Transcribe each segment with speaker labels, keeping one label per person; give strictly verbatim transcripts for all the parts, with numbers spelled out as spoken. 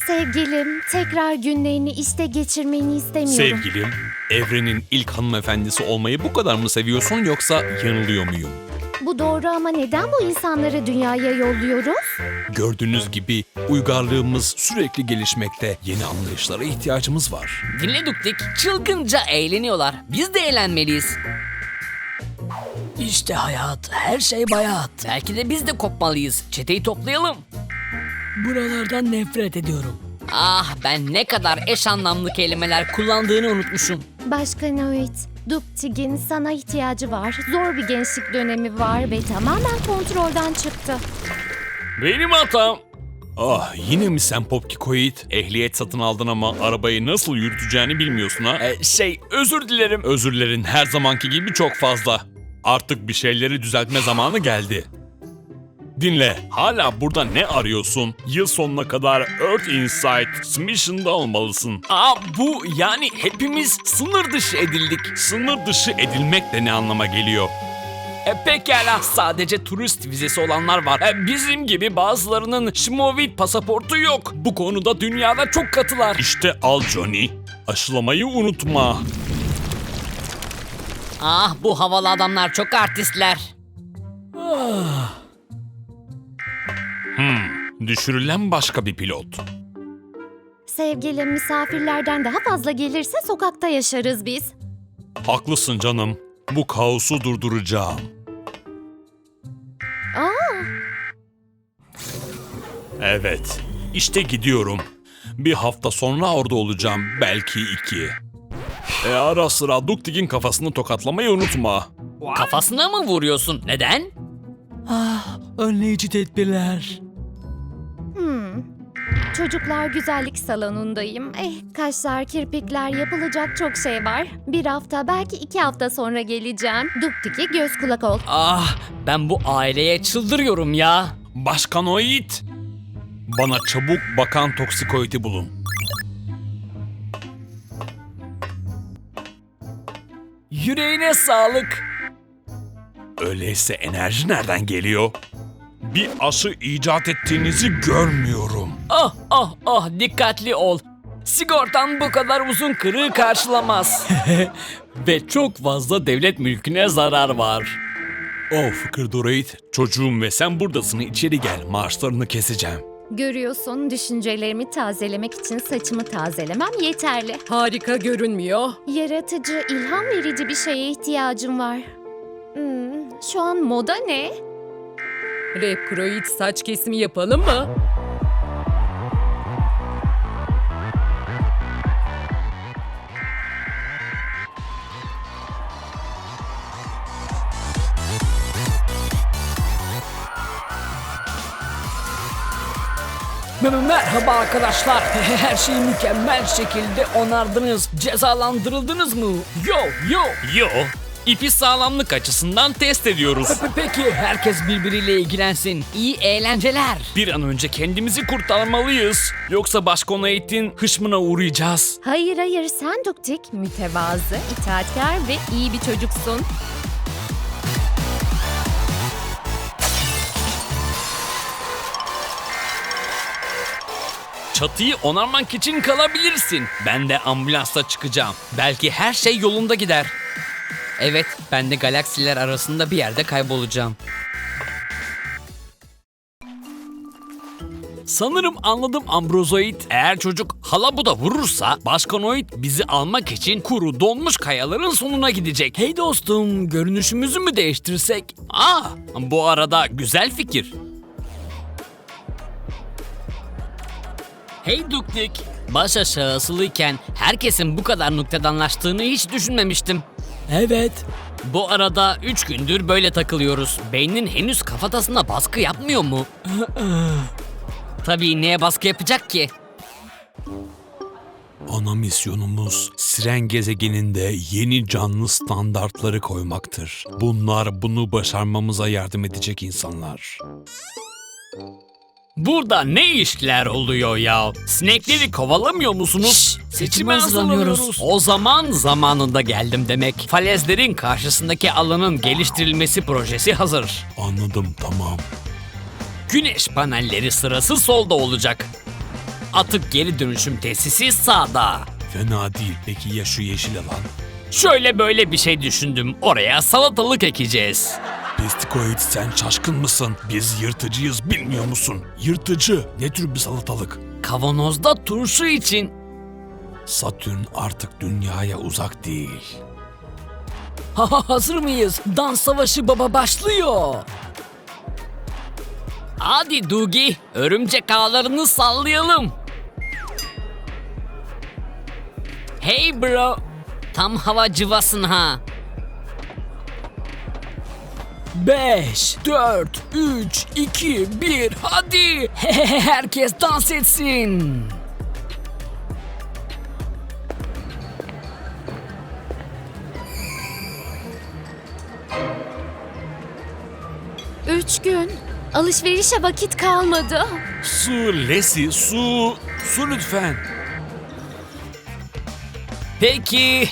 Speaker 1: Sevgilim, tekrar günlerini işte geçirmeni istemiyorum.
Speaker 2: Sevgilim, evrenin ilk hanımefendisi olmayı bu kadar mı seviyorsun yoksa yanılıyor muyum?
Speaker 1: Bu doğru ama neden bu insanları dünyaya yolluyoruz?
Speaker 2: Gördüğünüz gibi uygarlığımız sürekli gelişmekte. Yeni anlayışlara ihtiyacımız var.
Speaker 3: Dinle Duktik, çılgınca eğleniyorlar. Biz de eğlenmeliyiz. İşte hayat, her şey bayat. Belki de biz de kopmalıyız. Çeteyi toplayalım. Buralardan nefret ediyorum. Ah, ben ne kadar eş anlamlı kelimeler kullandığını unutmuşum.
Speaker 1: Başkan Oit, Duktig'in sana ihtiyacı var. Zor bir gençlik dönemi var ve tamamen kontrolden çıktı.
Speaker 2: Benim hatam. Ah, yine mi sen Popkikoid? Ehliyet satın aldın ama arabayı nasıl yürüteceğini bilmiyorsun ha?
Speaker 3: Ee, şey, özür dilerim.
Speaker 2: Özürlerin her zamanki gibi çok fazla. Artık bir şeyleri düzeltme zamanı geldi. Dinle, hala burada ne arıyorsun? Yıl sonuna kadar Earth Insight Mission'da olmalısın.
Speaker 3: Aa, bu yani hepimiz sınır dışı edildik.
Speaker 2: Sınır dışı edilmek de ne anlama geliyor?
Speaker 3: E, pekala, sadece turist vizesi olanlar var. E, bizim gibi bazılarının Şmovit pasaportu yok. Bu konuda dünyada çok katılar.
Speaker 2: İşte al Johnny. Aşılamayı unutma.
Speaker 3: Ah, bu havalı adamlar çok artistler.
Speaker 2: Hmm, düşürülen başka bir pilot.
Speaker 1: Sevgilim, misafirlerden daha fazla gelirse sokakta yaşarız biz.
Speaker 2: Haklısın canım. Bu kaosu durduracağım.
Speaker 1: Aa,
Speaker 2: Evet, işte gidiyorum. Bir hafta sonra orada olacağım, belki iki. E ara sıra Duktig'in kafasını tokatlamayı unutma.
Speaker 3: Kafasına mı vuruyorsun? Neden? Ah, önleyici tedbirler.
Speaker 1: hmm. Çocuklar güzellik salonundayım. Eh, kaşlar, kirpikler, yapılacak çok şey var. Bir hafta, belki iki hafta sonra geleceğim. Duktig'e göz kulak ol.
Speaker 3: Ah, ben bu aileye çıldırıyorum ya.
Speaker 2: Başkan Oid, bana çabuk bakan toksikoidi bulun.
Speaker 3: Yüreğine sağlık.
Speaker 2: Öyleyse enerji nereden geliyor? Bir aşı icat ettiğinizi görmüyorum.
Speaker 3: Ah ah ah, dikkatli ol. Sigortan bu kadar uzun kırığı karşılamaz. Ve çok fazla devlet mülküne zarar var.
Speaker 2: Oh Fıkırdoraid, çocuğum ve sen buradasın, içeri gel, maaşlarını keseceğim.
Speaker 1: Görüyorsun, düşüncelerimi tazelemek için saçımı tazelemem yeterli.
Speaker 4: Harika görünmüyor.
Speaker 1: Yaratıcı, ilham verici bir şeye ihtiyacım var. Hmm, şu an moda ne?
Speaker 4: Repkroid saç kesimi yapalım mı?
Speaker 3: Merhaba arkadaşlar. Her şeyi mükemmel şekilde onardınız. Cezalandırıldınız mı? Yo yo.
Speaker 2: Yo, ipi sağlamlık açısından test ediyoruz.
Speaker 3: Pe- Peki herkes birbiriyle ilgilensin. İyi eğlenceler.
Speaker 2: Bir an önce kendimizi kurtarmalıyız. Yoksa Başkan Oid'in hışmına uğrayacağız.
Speaker 1: Hayır hayır, sen Duktig, mütevazı, itaatkar ve iyi bir çocuksun.
Speaker 2: Çatıyı onarmak için kalabilirsin. Ben de ambulansla çıkacağım. Belki her şey yolunda gider.
Speaker 3: Evet, ben de galaksiler arasında bir yerde kaybolacağım.
Speaker 2: Sanırım anladım Ambrozoid. Eğer çocuk halabuda vurursa Başkan Oid bizi almak için kuru donmuş kayaların sonuna gidecek.
Speaker 3: Hey dostum, görünüşümüzü mü değiştirsek?
Speaker 2: Aa, bu arada güzel fikir.
Speaker 3: Hey Duktik, baş aşağı asılıyken herkesin bu kadar noktadanlaştığını hiç düşünmemiştim. Evet. Bu arada üç gündür böyle takılıyoruz. Beynin henüz kafatasına baskı yapmıyor mu? Tabii neye baskı yapacak ki?
Speaker 2: Ana misyonumuz Siren gezegeninde yeni canlı standartları koymaktır. Bunlar bunu başarmamıza yardım edecek insanlar.
Speaker 3: Burada ne işler oluyor ya?
Speaker 2: Sinekleri kovalamıyor musunuz?
Speaker 3: Şşş, seçime hazırlanıyoruz. O zaman zamanında geldim demek. Falezlerin karşısındaki alanın geliştirilmesi projesi hazır.
Speaker 2: Anladım, tamam.
Speaker 3: Güneş panelleri sırası solda olacak. Atık geri dönüşüm tesisi sağda.
Speaker 2: Fena değil. Peki ya şu yeşil alan?
Speaker 3: Şöyle böyle bir şey düşündüm. Oraya salatalık ekeceğiz.
Speaker 2: Pestikoid, sen şaşkın mısın? Biz yırtıcıyız, bilmiyor musun? Yırtıcı ne tür bir salatalık?
Speaker 3: Kavanozda turşu için.
Speaker 2: Satürn artık dünyaya uzak değil.
Speaker 3: Ha ha, hazır mıyız? Dans savaşı baba başlıyor. Hadi Dugi, örümcek ağlarını sallayalım. Hey bro, tam hava cıvasın ha. Beş, dört, üç, iki, bir, hadi. Herkes dans etsin.
Speaker 1: Üç gün. Alışverişe vakit kalmadı.
Speaker 2: Su, Lesi, su. Su lütfen.
Speaker 3: Peki.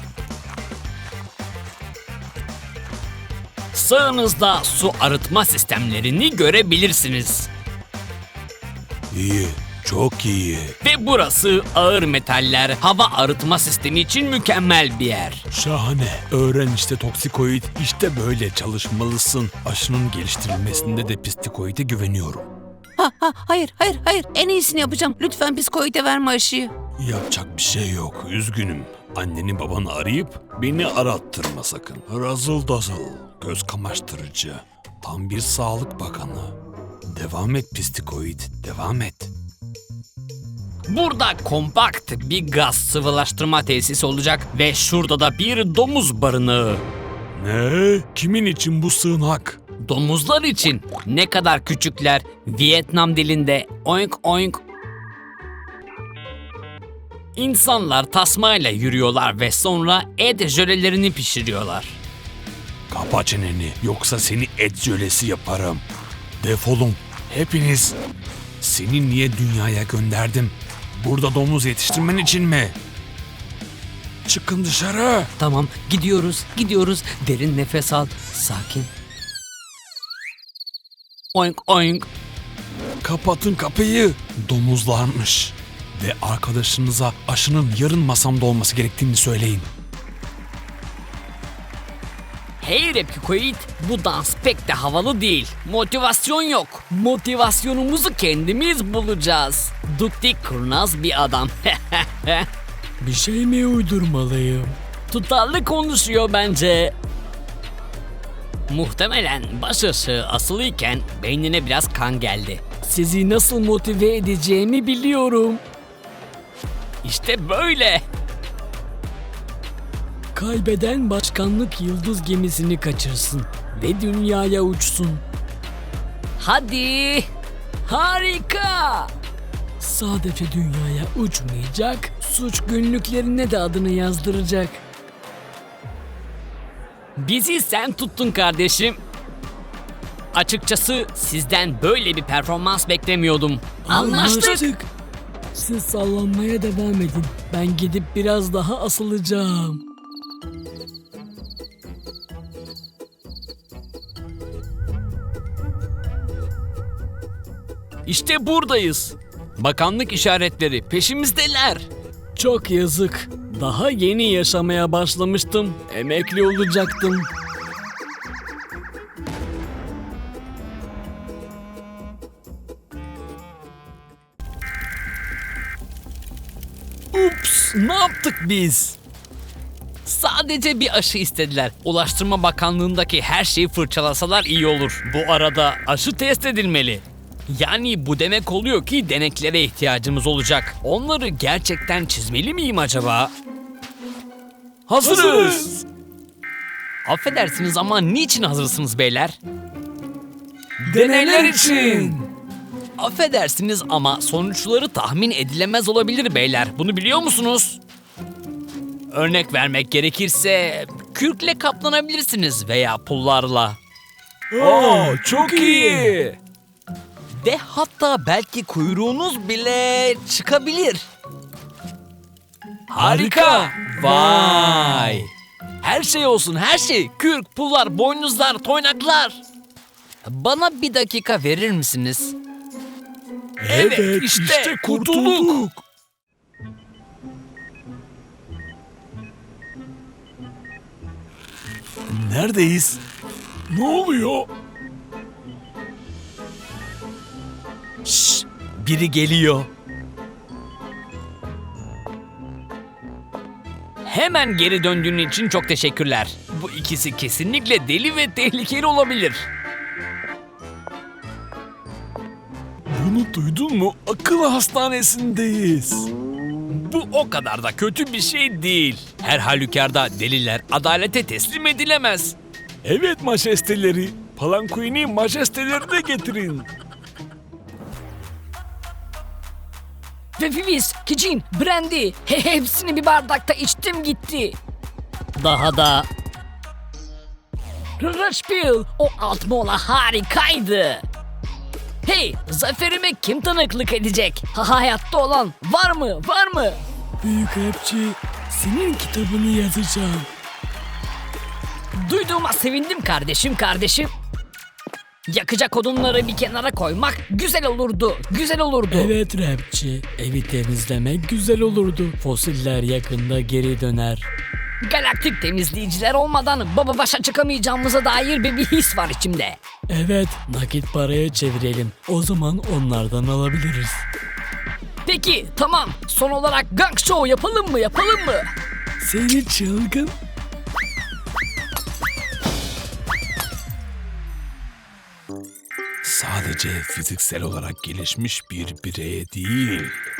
Speaker 3: Sağınızda su arıtma sistemlerini görebilirsiniz.
Speaker 2: İyi, çok iyi.
Speaker 3: Ve burası ağır metaller hava arıtma sistemi için mükemmel bir yer.
Speaker 2: Şahane. Öğren işte Toksikoid. İşte böyle çalışmalısın. Aşının geliştirilmesinde de Pestikoid'e güveniyorum.
Speaker 5: Ha, ha, hayır, hayır, hayır. En iyisini yapacağım. Lütfen psikoide verme aşıyı.
Speaker 2: Yapacak bir şey yok. Üzgünüm. Anneni babanı arayıp beni arattırma sakın. Razıl dazıl. Göz kamaştırıcı. Tam bir sağlık bakanı. Devam et Pestikoid. Devam et.
Speaker 3: Burada kompakt bir gaz sıvılaştırma tesisi olacak ve şurada da bir domuz barınağı.
Speaker 2: Ne? Kimin için bu sığınak?
Speaker 3: Domuzlar için ne kadar küçükler, Vietnam dilinde oink oink. İnsanlar tasmayla yürüyorlar ve sonra et jölelerini pişiriyorlar.
Speaker 2: Kapa çeneni, yoksa seni et jölesi yaparım. Defolun hepiniz. Seni niye dünyaya gönderdim? Burada domuz yetiştirmen için mi? Çıkın dışarı.
Speaker 3: Tamam, gidiyoruz, gidiyoruz. Derin nefes al, sakin. Oink oink.
Speaker 2: Kapatın kapıyı. Domuzlarmış. Ve arkadaşınıza aşının yarın masamda olması gerektiğini söyleyin.
Speaker 3: Hey Repikoid, bu dans pek de havalı değil. Motivasyon yok. Motivasyonumuzu kendimiz bulacağız. Duktik kurnaz bir adam. Bir şey mi uydurmalıyım? Tutarlı konuşuyor bence. Muhtemelen baş ışığı asılıyken beynine biraz kan geldi. Sizi nasıl motive edeceğimi biliyorum. İşte böyle. Kaybeden başkanlık yıldız gemisini kaçırsın ve dünyaya uçsun. Hadi. Harika. Sadece dünyaya uçmayacak, suç günlüklerine de adını yazdıracak. Bizi sen tuttun kardeşim. Açıkçası sizden böyle bir performans beklemiyordum. Anlaştık. Siz sallanmaya devam edin. Ben gidip biraz daha asılacağım. İşte buradayız. Bakanlık işaretleri peşimizdeler. Çok yazık. Daha yeni yaşamaya başlamıştım. Emekli olacaktım. Ups, ne yaptık biz? Sadece bir aşı istediler. Ulaştırma Bakanlığındaki her şeyi fırçalasalar iyi olur. Bu arada aşı test edilmeli. Yani bu demek oluyor ki deneklere ihtiyacımız olacak. Onları gerçekten çizmeli miyim acaba? Hazırız. Affedersiniz ama niçin hazırsınız beyler? Deneyler için. Affedersiniz ama sonuçları tahmin edilemez olabilir beyler. Bunu biliyor musunuz? Örnek vermek gerekirse kürkle kaplanabilirsiniz veya pullarla.
Speaker 2: Aa, çok iyi.
Speaker 3: Ve hatta belki kuyruğunuz bile çıkabilir. Harika! Vay! Her şey olsun, her şey. Kürk, pullar, boynuzlar, toynaklar. Bana bir dakika verir misiniz? Evet, işte kurtulduk.
Speaker 2: Neredeyiz? Ne oluyor?
Speaker 3: Şşş, biri geliyor. Hemen geri döndüğün için çok teşekkürler. Bu ikisi kesinlikle deli ve tehlikeli olabilir.
Speaker 2: Bunu duydun mu? Akıl hastanesindeyiz.
Speaker 3: Bu o kadar da kötü bir şey değil. Her halükarda deliler adalete teslim edilemez.
Speaker 2: Evet majesteleri. Palanquini majesteleri de getirin.
Speaker 3: Ve Filiz, Kicin, Brandy he, hepsini bir bardakta içtim gitti. Daha da... Rushbill, o alt mola harikaydı. Hey, zaferime kim tanıklık edecek? Ha, hayatta olan var mı, var mı?
Speaker 6: Büyük rapçi, senin kitabını yazacağım.
Speaker 3: Duyduğuma sevindim kardeşim, kardeşim. Yakacak odunları bir kenara koymak güzel olurdu, güzel olurdu.
Speaker 6: Evet rapçi, evi temizlemek güzel olurdu. Fosiller yakında geri döner.
Speaker 3: Galaktik temizleyiciler olmadan baba başa çıkamayacağımıza dair bir, bir his var içimde.
Speaker 6: Evet, nakit paraya çevirelim. O zaman onlardan alabiliriz.
Speaker 3: Peki, tamam. Son olarak gang show yapalım mı, yapalım mı?
Speaker 6: Seni çılgın.
Speaker 2: Sadece fiziksel olarak gelişmiş bir bireye değil,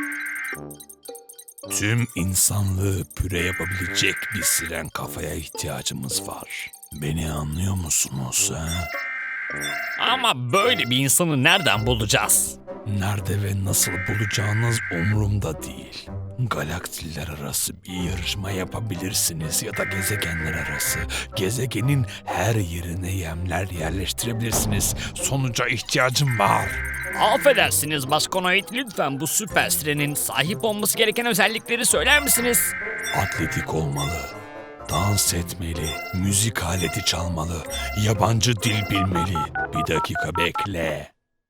Speaker 2: tüm insanlığı püre yapabilecek bir siren kafaya ihtiyacımız var. Beni anlıyor musunuz ha?
Speaker 3: Ama böyle bir insanı nereden bulacağız?
Speaker 2: Nerede ve nasıl bulacağınız umurumda değil. Galaksiler arası bir yarışma yapabilirsiniz ya da gezegenler arası. Gezegenin her yerine yemler yerleştirebilirsiniz. Sonuca ihtiyacım var.
Speaker 3: Affedersiniz Baskonoid, lütfen bu süper sirenin sahip olması gereken özellikleri söyler misiniz?
Speaker 2: Atletik olmalı, dans etmeli, müzik aleti çalmalı, yabancı dil bilmeli. Bir dakika bekle.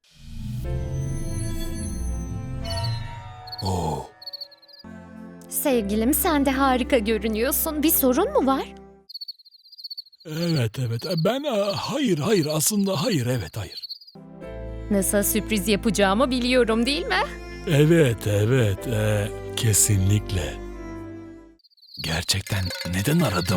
Speaker 2: Oo.
Speaker 1: Sevgilim, sen de harika görünüyorsun. Bir sorun mu var?
Speaker 2: Evet evet ben e, hayır hayır aslında hayır evet hayır.
Speaker 1: Nasıl sürpriz yapacağımı biliyorum, değil mi?
Speaker 2: Evet evet e, kesinlikle. Gerçekten neden aradım?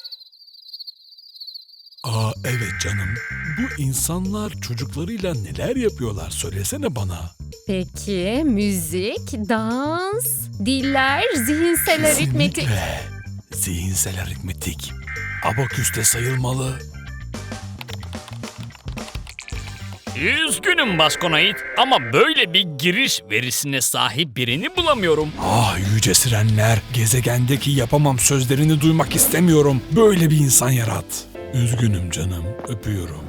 Speaker 2: Aa evet canım. Bu insanlar çocuklarıyla neler yapıyorlar söylesene bana.
Speaker 1: Peki, müzik, dans, diller, zihinsel aritmetik.
Speaker 2: Kesinlikle. Zihinsel aritmetik. Abaküste sayılmalı.
Speaker 3: Üzgünüm Baskonoid ama böyle bir giriş verisine sahip birini bulamıyorum.
Speaker 2: Ah yüce sirenler, gezegendeki yapamam sözlerini duymak istemiyorum. Böyle bir insan yarat. Üzgünüm canım, öpüyorum.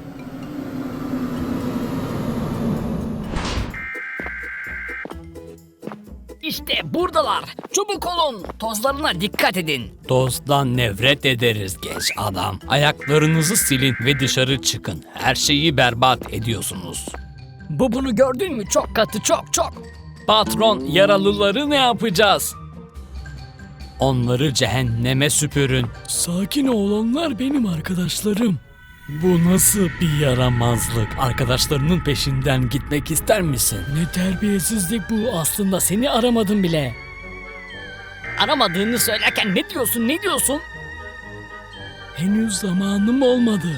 Speaker 3: İşte buradalar. Çabuk olun. Tozlarına dikkat edin.
Speaker 6: Tozdan nefret ederiz genç adam. Ayaklarınızı silin ve dışarı çıkın. Her şeyi berbat ediyorsunuz.
Speaker 3: Bu bunu gördün mü? Çok katı, çok çok.
Speaker 6: Patron, yaralıları ne yapacağız? Onları cehenneme süpürün. Sakin ol, onlar benim arkadaşlarım. Bu nasıl bir yaramazlık? Arkadaşlarının peşinden gitmek ister misin? Ne terbiyesizlik bu, aslında seni aramadım bile.
Speaker 3: Aramadığını söylerken ne diyorsun, ne diyorsun?
Speaker 6: Henüz zamanım olmadı.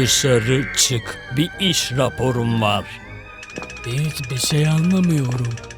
Speaker 6: Dışarı çık, bir iş raporum var. Hiçbir şey anlamıyorum.